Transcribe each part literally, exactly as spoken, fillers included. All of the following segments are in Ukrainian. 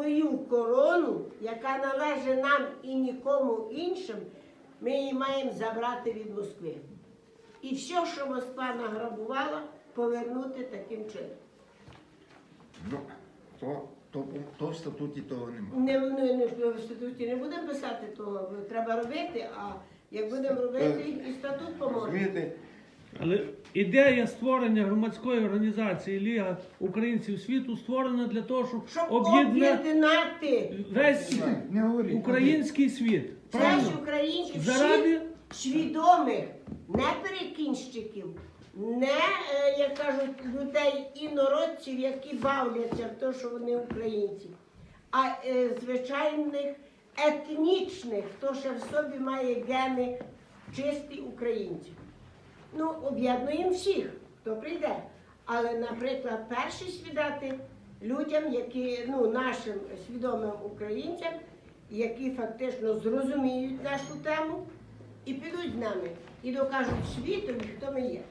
свою корону, яка належить нам і нікому іншим, ми її маємо забрати від Москви. І все, що Москва награбувала, повернути таким чином. Ну, то, то, то в статуті того немає. Не, не, не, в статуті не будемо писати того, треба робити, а як будемо робити, і статут поможе. Розумієте? Але ідея створення громадської організації Ліга українців світу створена для того, щоб, Щоб об'єднати об'єднати весь Не говоріть. український світ. весь Правильно? українців, Заради всіх свідомих, не перекінщиків, не, е, як кажуть, людей інородців, які бавляться в те, що вони українці, а е, звичайних етнічних, хто ще в собі має гени чисті українців. Ну, об'єднуємо всіх, хто прийде. Але, наприклад, перші свідати людям, які, ну, нашим свідомим українцям, які фактично зрозуміють нашу тему і підуть з нами, і докажуть світові, хто ми є.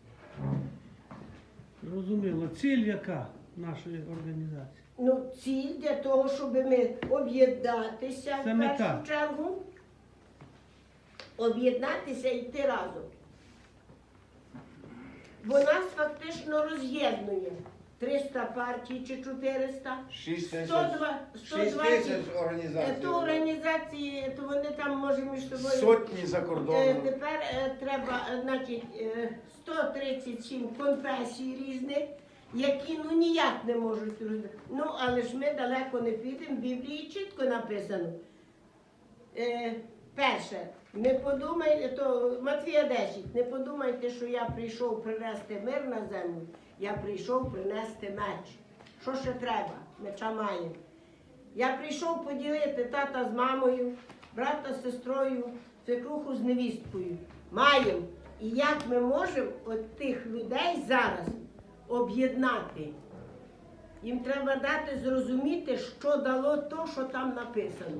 Зрозуміло. Ціль яка нашої організації? Ну, ціль для того, щоб ми об'єднатися Це в мета. першу чергу, об'єднатися і йти разом. Бо нас фактично роз'єднує триста партій чи чотириста, шість тисяч, сто два- сто шість двадцять. тисяч Е, організацій. То організації, то вони там може між собою. Сотні за Е, кордоном. Тепер е, треба, е, значить, е, сто тридцять сім конфесій різних, які ну ніяк не можуть розуміти. Ну, але ж ми далеко не підемо, в Біблії чітко написано. Е, Перше, не подумайте, то Матвія десять, не подумайте, що я прийшов принести мир на землю, я прийшов принести меч. Що ще треба? Меча маємо. Я прийшов поділити тата з мамою, брата з сестрою, свекруху з невісткою. Маємо. І як ми можемо от тих людей зараз об'єднати? Їм треба дати зрозуміти, що дало то, що там написано.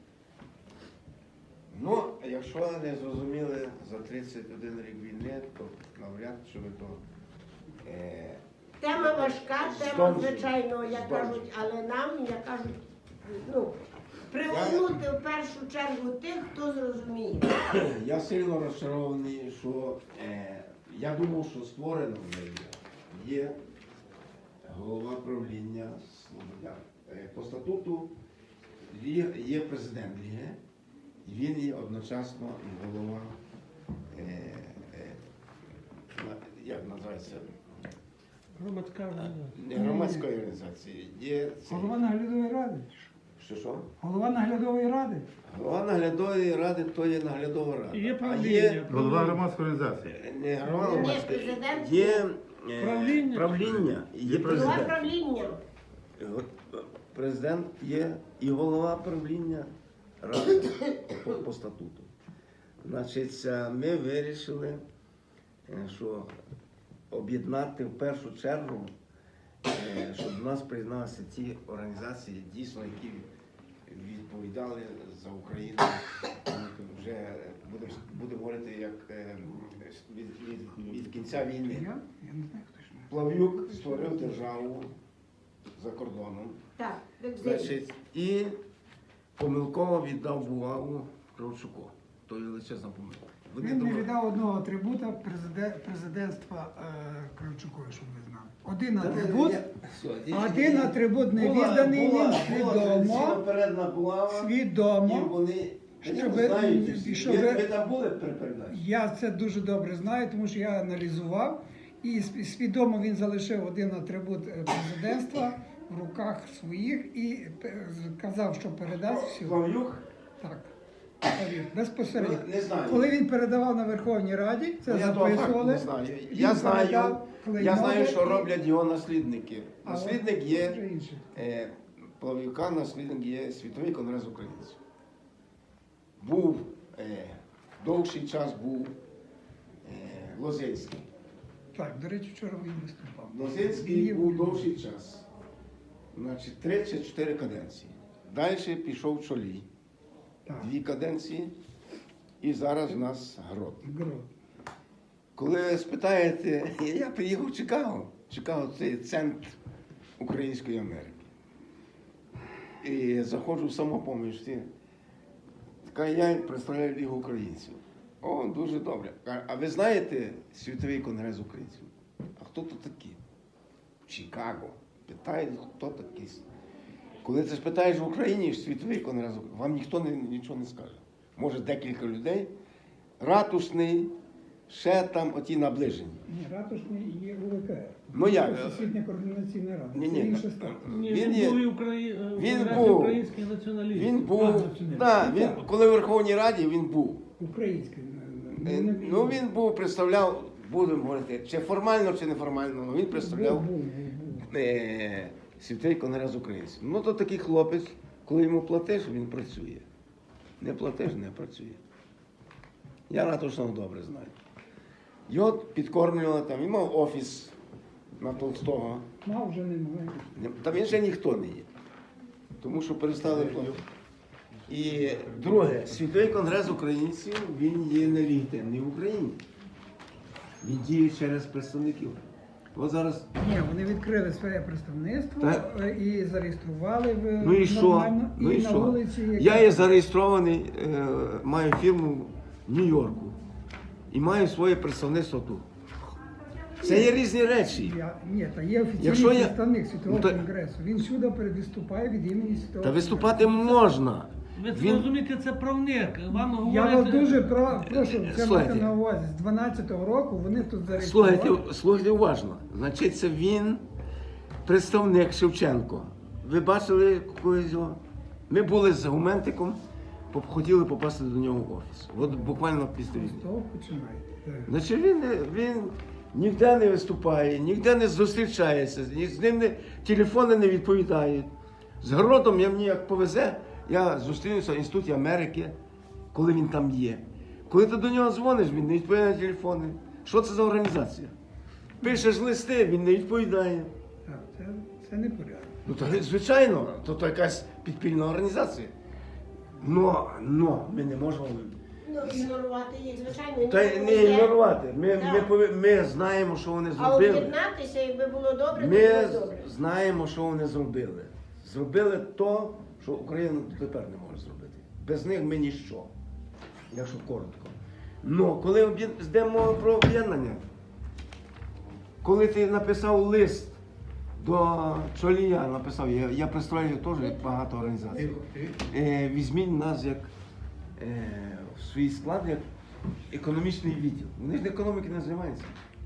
Ну, якщо не зрозуміли за тридцять один рік війни, то навряд чи ви то... Е, Тема важка, тема, Здовжує. звичайно, як Здовжує. кажуть, але нам, як кажуть, ну, привернути в першу чергу тих, хто зрозуміє. Я сильно розчарований, що е, я думав, що створено вже є. Є голова правління Слободян. Е, по статуту є, є президент Ліги, і він є одночасно і голова, е, е, на- як називається, Громадська організація. не громадської організації, є цей- Голова наглядової ради. що що? Голова наглядової ради. Голова наглядової ради то є наглядова рада. І є А правління. Голова громадської організації. не голова Ні, громадської, президент. є е, Правління. правління, і є Голова президент. правління. Президент є і голова правління ради по, по статуту. Значить, е, ми вирішили, е, що об'єднати в першу чергу, е, щоб до нас приєдналися ті організації, дійсно, які відповідали за Україну. Вже будемо будемо говорити як е, від, від, від кінця війни. Я? Я не знаю, хто ж. Плав'юк створив державу за кордоном. Так, як Значить, і помилково віддав бумагу Кравчуку. То є величезна помилка. Вони Він не думали- віддав одного атрибута президе- президентства е, Кравчукові, щоб ви знали. Один Та ні, атрибут, ні, все, і- один атрибут не була- відданий, була- він була свідомо, традиційно-передна булава, і свідомо. вони Щоб- вони знають всі. щоб- ви, ви там були при передачі? Я це дуже добре знаю, тому що я аналізував. І св- свідомо він залишив один атрибут е, президентства в руках своїх і е, казав, що передасть все. Плав'юк? Так. Повір, безпосередньо. Ну, не знаю. Коли він передавав на Верховній Раді, це Ну, я того факту записували. не знаю. Він Я знаю, передав я клейнови знаю, що і- роблять його наслідники. А Наслідник от є вже інше. е, Плав'юка, наслідник є Світовий конгрес українців. Був е, довший час був е, Лозинський. Так, до речі, вчора він виступав. Лозинський Є- був довший час. Значить, три чи чотири каденції. Далі пішов Чолій. Так, Дві каденції. І зараз в нас Грот. Грот. Коли ви спитаєте, я приїхав в Чикаго. Чикаго – це центр Української Америки. і заходжу в самопоміч. всі. Така я представляю Лігу українців. О, дуже добре. А- А ви знаєте Світовий конгрес українців? А хто тут такі? Чикаго. Питають, хто такий. Коли ти спитаєш в Україні Світовий конгрес, вам ніхто не, нічого не скаже. Може декілька людей, ратушний, ще там оті наближені. Ні, ратушний є У В К Р. Ну, як? Всесвітня координаційна рада. Ні, Це ні, інше статус. Ні, Він він, є- був і Украї... він Конгрес був. українських націоналістів. Він А, був, націоналістів. да, він, коли в Верховній Раді він був. Український. Е, Ну він був, представляв, будемо говорити, чи формально, чи неформально, але він представляв Був, був, був. е, Світовий конгрес українців. Ну то такий хлопець, коли йому платиш, він працює. Не платиш, не працює. Я Ратушного добре знаю. Його підкормлювали там, він мав офіс на Толстого. Мав вже немає. Там він ще ніхто не є. Тому що перестали платити. І друге, Світовий конгрес українців, він є нелегітимний в Україні. Він діє через представників. От зараз, Ні, вони відкрили своє представництво Так. е, і зареєстрували в ну і що? нормально. Ну і на що? вулиці. як- Я є зареєстрований, е, маю фірму в Нью-Йорку і маю своє представництво тут. Це є різні речі. Я, ні, та є офіційний Якщо я- представник Світового Ну, та- конгресу. Він всюди виступає від імені Світового Та виступати можна. Ви це Він- розумієте, це правник. Вам Я говорять... вас дуже про, прошу це Слухайте. мати на увазі. З дванадцятого року вони тут зареєстрували. Слухайте, слухайте уважно. Значить, це він, представник Шевченко. Ви бачили когось його? Ми були з Гументиком, поп- хотіли попасти до нього в офіс. От буквально після З війни. того починаєте. Так. Значить, він, він ніде не виступає, ніде не зустрічається, ні з ним не, телефони не відповідають. З Гродом я мені як повезе, я зустрінуся в Інституті Америки, коли він там є. Коли ти до нього дзвониш, він не відповідає на телефони. Що це за організація? Пишеш листи, він не відповідає. Так, це, це не порядок. Ну, то, звичайно, то, то якась підпільна організація. Но, но ми не можемо. Ну, ігнорувати їх, звичайно. Та й ніхто не є. ігнорувати. Ми, Так. ми, пові- ми знаємо, що вони А зробили. об'єднатися, якби було добре, Ми то було добре. знаємо, що вони зробили. Зробили то, що Україна тепер не може зробити. Без них ми ніщо. Якщо коротко. Ну, коли об'єд- йде мова про об'єднання, коли ти написав лист до Чолія, написав, я, я представляю теж багато організацій. Е, візьміть нас як е, в свій склад як економічний відділ. Вони ж економіки не займаються.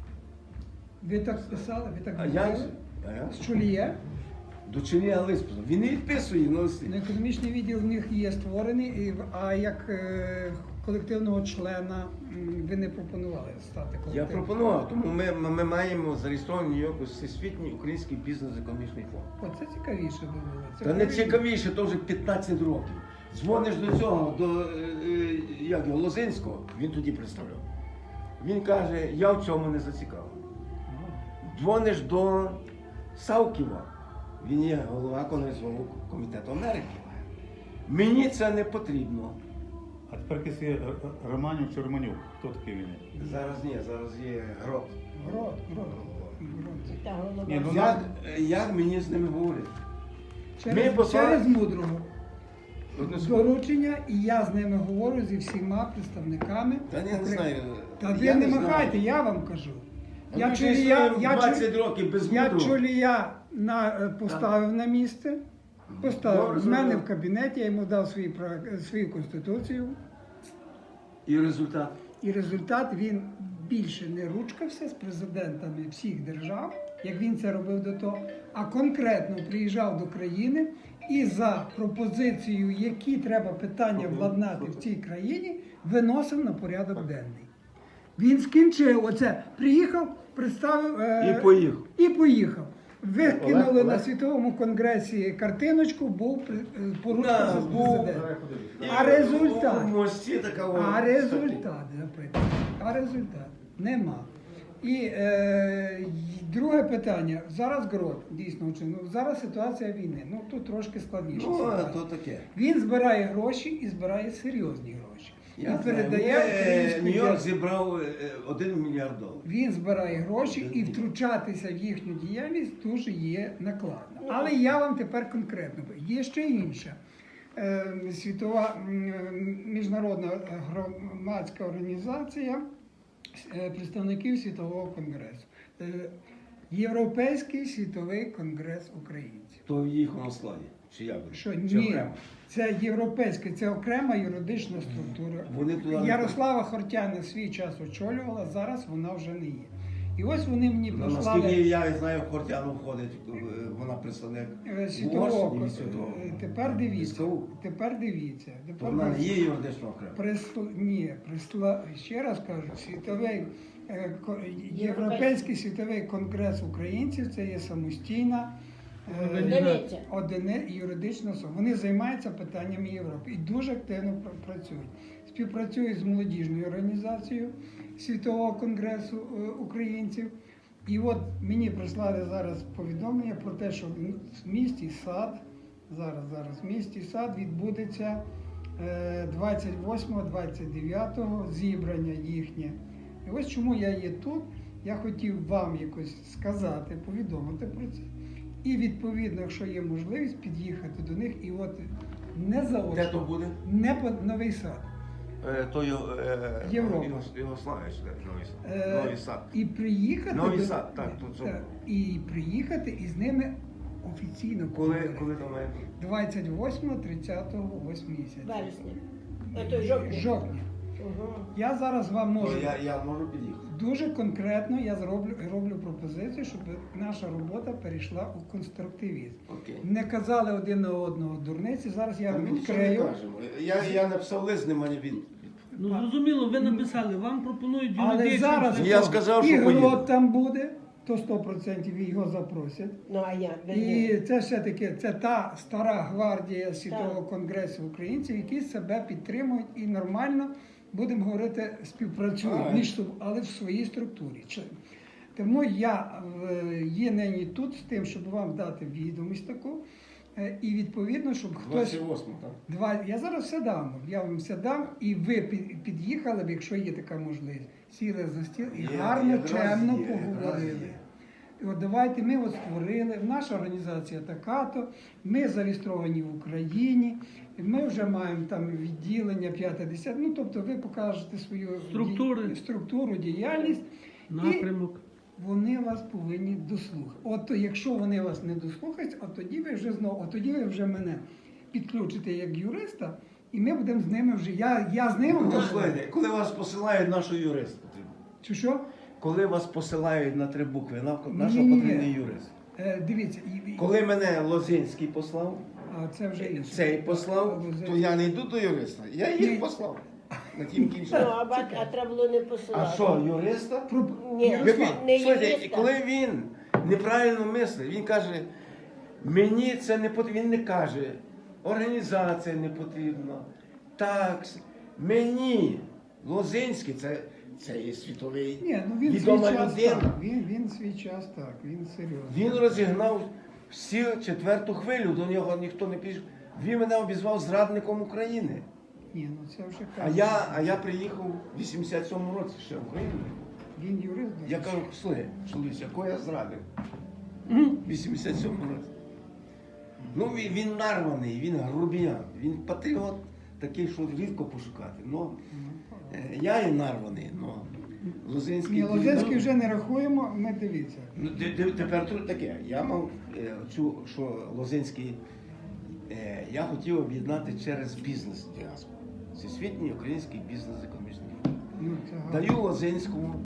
Ви так списали, ви так А я, говорили? а я? З Чулія. До Чолія лист писав. Він не відписує на листи. Ну, економічний відділ в них є створений, і, а як е, колективного члена м, ви не пропонували стати Я колективним? пропонував, тому ми, ми, ми маємо зареєстрований в Нью-Йорку Всесвітній український бізнес-економічний фонд. Оце цікавіше би було. Це Та не правильно. цікавіше, то вже п'ятнадцять років. Дзвониш до цього, до е, е, як його, Лозинського, він тоді представляв. Він каже, я в цьому не зацікавлений. Дзвониш до Савківа, він є голова Конгресового комітету Америки. Мені це не потрібно. А тепер якийсь є Романюк чи Романюк. Хто такий він? є? Зараз ні, зараз є грот. Грот, грот, грот. Та голова. Ні, ну, Як, як мені з ними говорити? Через, Ми послали- через мудрого Одну секунду. доручення, і я з ними говорю зі всіма представниками. Та ні, я не Украї- знаю. Та ви Я не знаю. махайте, я вам кажу. Ми Я вже чолія, існуємо я, двадцять чол- років без я мудрого. чолія на, е, поставив на місце, поставив Добре, з мене добре. в кабінеті, я йому дав свої, прав- свою конституцію. І результат. І результат він більше не ручкався з президентами всіх держав, як він це робив до того, а конкретно приїжджав до країни і за пропозицією, які треба питання владнати в цій країні, виносив на порядок денний. Він скінчив оце, приїхав, представив е, І поїхав. І поїхав. Викинули Олег, на Олег. світовому конгресі картиночку, був при- е, поручка Да, з був. президентом. І А результат? У мості така о, А результат, запитую. А результат нема. І е, й- друге питання. Зараз ГРОТ, дійсно, чи- ну, зараз ситуація війни. Ну тут трошки складніше. Ну, а ситуація. то таке. Він збирає гроші і збирає серйозні гроші. Я і знаю, передає е, українську Нью-Йорк діаспору. зібрав е, один мільярд доларів. Він збирає гроші і втручатися в їхню діяльність дуже є накладно. Але я вам тепер конкретно. Є ще інша е, світова м, міжнародна громадська організація е, представників Світового конгресу. Е, Європейський світовий конгрес українців. То в їхньому складі. Чи як? Що Чи ні, окремо? це європейська, це окрема юридична структура. Вони туди не Ярослава Хортяна свій час очолювала, зараз вона вже не є. І ось вони мені Ну, прислали наскільки я знаю, в Хортяну входить, е, вона представник е, світового. Угорщини кон- і світового. е, Тепер дивіться. СКУ. Тепер дивіться. То Тепер вона не дивіться. є юридично окремо. Присл... Ні, присла... ще раз кажу, світовий е, ко- Європейський світовий конгрес українців це є самостійна е, Одиниця. одини юридична особа. Вони займаються питаннями Європи і дуже активно пр- працюють. Співпрацюють з молодіжною організацією Світового конгресу е, українців. І от мені прислали зараз повідомлення про те, що в місті Сад, зараз, зараз, в місті Сад відбудеться е, двадцять восьмого двадцять дев'ятого зібрання їхнє. І ось чому я є тут. Я хотів вам якось сказати, повідомити про це. І відповідно, якщо є можливість, під'їхати до них і от не Де то заочно, буде? не по Новий Сад. Е, То його, е, Європа. Його- Йогославія, чи де? Новий Сад. Е, Новий Сад. І приїхати Новий до- Сад, так, тут так, і приїхати і з ними офіційно Коли, поговорити. коли то має бути? двадцять восьмого тридцятого ось місяця. Вересня. А то жовтня. Жовтня. Угу. Я зараз вам То можу я, я можу під'їхати. дуже конкретно я зроблю роблю пропозицію, щоб наша робота перейшла у конструктивізм. Окей. Не казали один на одного дурниці. Зараз я Та ми нічого не відкрию. кажемо. Я, я написав лист, немає від. Ну зрозуміло, ви написали, вам пропонують Але юридичну зараз Я сказав, що і поїду. Грот там буде, то сто відсотків його запросять. Ну а як? Ви І не- це все-таки це та стара гвардія Світового конгресу українців, які себе підтримують і нормально, будемо говорити, співпрацюють Ага. між собою, але в своїй структурі. Чи- Тому я е, є нині тут з тим, щоб вам дати відомість таку. е, І відповідно, щоб хтось двадцять восьмого, так? два. Я зараз все дам. Я вам все дам, і ви під- під'їхали б, якщо є така можливість. Сіли за стіл і Є, гарно, якраз чемно є, якраз поговорили. є. І от давайте ми от створили, наша організація така-то, ми зареєстровані в Україні, ми вже маємо там відділення п'яте десяте. Ну тобто ви покажете свою Структури. ді- структуру, діяльність. І напрямок. вони вас повинні дослухати. От якщо вони вас не дослухають, от тоді ви вже знову, от тоді ви вже мене підключите як юриста, і ми будемо з ними вже. Я, я з ними Ну, буду. слухайте, коли вас посилають нашого юриста, Чи що? коли вас посилають на три букви, на- нашого Ні-ні-ні. потрібний юрист. Е, дивіться, і, і- Коли мене Лозинський послав, а це вже інше. цей послав, А, то я не йду до юриста. Я Ні. їх послав. На тім Ну, кінчаю. а, ба- а треба було не А посилати. що, юриста? Про- Ні. Ярослав, Не Слухайте, юриста. коли він неправильно мислить, він каже, мені це не потрібно. Він не каже, організація не потрібна, такс, мені. Лозинський, це, це є світовий Ні, ну він свій відома час людина. так. Він, він свій час так, він серйозно. Він розігнав всю четверту хвилю, до нього ніхто не пішов. Він мене обізвав зрадником України. Ні, ну це вже А так. я, а я приїхав в вісімдесят сьомому році ще в Україну. Він юрист. до Я речі. кажу, слухай, чоловіче, якого я зрадив? В вісімдесят сьомому році. Ну, він, він нарваний, він грубіян, він патріот такий, що рідко пошукати. Ну, е, я і нарваний, ну, Лозинський. Ні, Лозинський вже не рахуємо, ми дивіться. Ну, те- те- тепер тут таке. Я мав е, цю, що Лозинський, е, я хотів об'єднати через бізнес діаспору. Всесвітній український бізнес економічний фонд. Ну, це гарно. Даю Лозинському